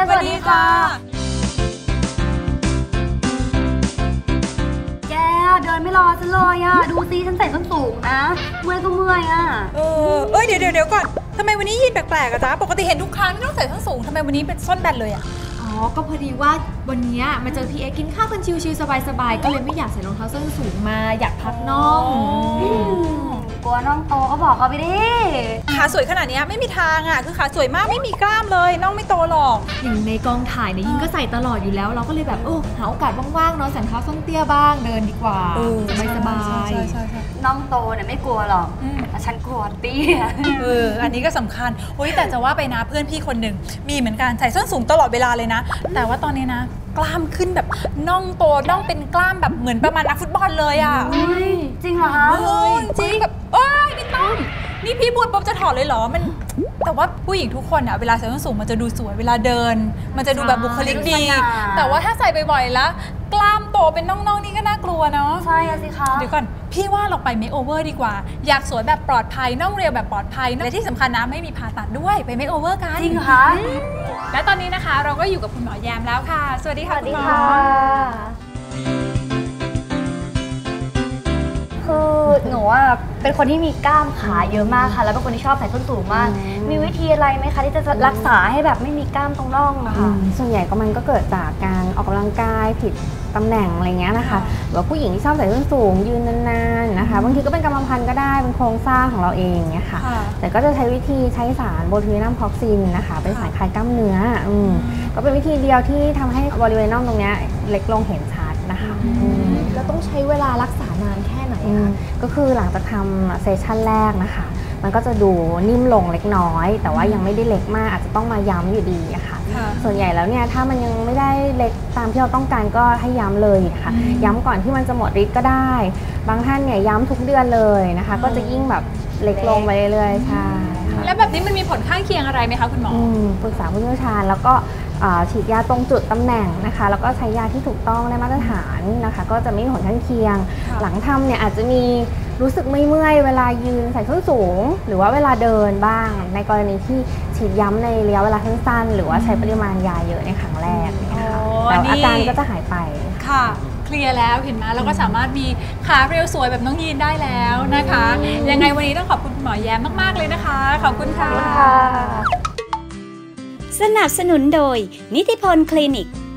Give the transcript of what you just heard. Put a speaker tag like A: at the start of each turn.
A: สวัสดีค่ะแกเดินไม่รอฉันเลยอ่ะดูซิฉันใส่ส้นสูงนะเมื่อยก็เมื่อยอ่ะ
B: เดี๋ยวก่อนทำไมวันนี้ยีนแปลกๆอะจ๊ะปกติเห็นทุกครั้งที่ต้องใส่ส้นสูงทำไมวันนี้เป็นส้นแบนเลยอะ
C: ก็พอดีว่าวันนี้มาเจอพี่เอ็กกินข้าวกันชิวๆสบายๆก็เลยไม่อยากใส่รองเท้าส้นสูงมาอยากพักน่อง
A: กลัวน้องโตก็บอกเขาไปดิ
B: ขาสวยขนาดนี้ไม่มีทางอะคือขาสวยมากไม่มีกล้ามเลยน้องไม่โตหรอก
C: อย่างในกองถ่ายเนี่ยยิ่งก็ใส่ตลอดอยู่แล้วเราก็เลยแบบหาโอกาสว่างๆเนาะใส่รองเท้าส้นเตี้ยบ้างเดินดีกว่าสบาย
A: น้องโตเนี่ยไม่กลัวหรอกแต่ฉันกลัวเตี้ย
B: อันนี้ก็สำคัญแต่จะว่าไปนะเพื่อนพี่คนหนึ่งมีเหมือนกันใส่ส้นสูงตลอดเวลาเลยนะแต่ว่าตอนนี้นะกล้ามขึ้นแบบน่องโตน่องเป็นกล้ามแบบเหมือนประมาณนักฟุตบอลเลยอ่ะ
A: จริงเหรอคะ
B: จริงแบบไม่ต้องนี่พี่พูดปุ๊บจะถอดเลยเหรอมันแต่ว่าผู้หญิงทุกคนอ่ะเวลาใส่ส้นสูงมันจะดูสวยเวลาเดินมันจะดูแบบบุคลิกดีแต่ว่าถ้าใส่บ่อยๆแล้วกล้ามโตเป็นน่องๆนี่ก็น่ากลัวเนาะ
A: ใช่สิคะ
B: เดี๋ยวก่อนพี่ว่าเราไปเมคโอเวอร์ดีกว่าอยากสวยแบบปลอดภัยน่องเรียวแบบปลอดภัยและที่สำคัญนะไม่มีผ่าตัดด้วยไปเมคโอเวอร์กัน
A: จริงคะ
B: และตอนนี้นะคะเราก็อยู่กับคุณหมอแยมแล้วค่ะสวัสดีค่ะคุณหมอ
A: คือหนูว่าเป็นคนที่มีกล้ามขาเยอะมากค่ะแล้วเป็นคนที่ชอบใส่ส้นสูงมากมีวิธีอะไรไหมคะที่จะรักษาให้แบบไม่มีกล้ามตรงน่องอะค่ะ
D: ส่วนใหญ่ก็มันก็เกิดจากการออกกำลังกายผิดตำแหน่งอะไรเงี้ยนะคะหรือว่าผู้หญิงที่ชอบใส่ส้นสูงยืนนานๆนะคะบางทีก็เป็นกรรมพันธุ์ก็ได้เป็นโครงสร้างของเราเองเนี่ยค่ะแต่ก็จะใช้วิธีใช้สารโบทูลินัมท็อกซินนะคะเป็นสารคลายกล้ามเนื้อก็เป็นวิธีเดียวที่ทำให้บริเวณน่องตรงนี้เล็กลงเห็นชัดนะคะ
C: แล้วต้องใช้เวลารักษานานแค่ไหนคะ
D: ก็คือหลังจากทำเซสชั่นแรกนะคะมันก็จะดูนิ่มลงเล็กน้อยแต่ว่ายังไม่ได้เล็กมากอาจจะต้องมาย้ำอยู่ดีอะค่ะส่วนใหญ่แล้วเนี่ยถ้ามันยังไม่ได้เล็กตามที่เราต้องการก็ให้ย้ำเลยค่ะย้ำก่อนที่มันจะหมดฤทธิ์ก็ได้บางท่านเนี่ยย้ำทุกเดือนเลยนะคะก็จะยิ่งแบบเล็กลงไปเรื่อยๆใช่
B: แล้วแบบนี้มันมีผลข้างเคียงอะไรไหมคะคุณหมอ
D: ปรึกษาผู้เชี่ยวชาญแล้วก็ฉีดยาตรงจุดตำแหน่งนะคะแล้วก็ใช้ยาที่ถูกต้องและมาตรฐานนะคะก็จะไม่มีผลข้างเคียงหลังทำเนี่ยอาจจะมีรู้สึกไม่เมื่อยเวลายืนใส่ส้นสูงหรือว่าเวลาเดินบ้างในกรณีที่ฉีดย้ำในระยะเวลาสั้นๆหรือว่าใช้ปริมาณยาเยอะในครั้งแรกนะคะแล้วอาการก็จะหายไป
B: ค่ะเคลียร์แล้วเห็นไหมเราก็สามารถมีขาเรียวสวยแบบน้องยีนได้แล้วนะคะยังไงวันนี้ต้องขอบคุณหมอแย้มมากๆเลยนะคะขอบคุณค่ะ
E: สนับสนุนโดยนิติพลคลินิก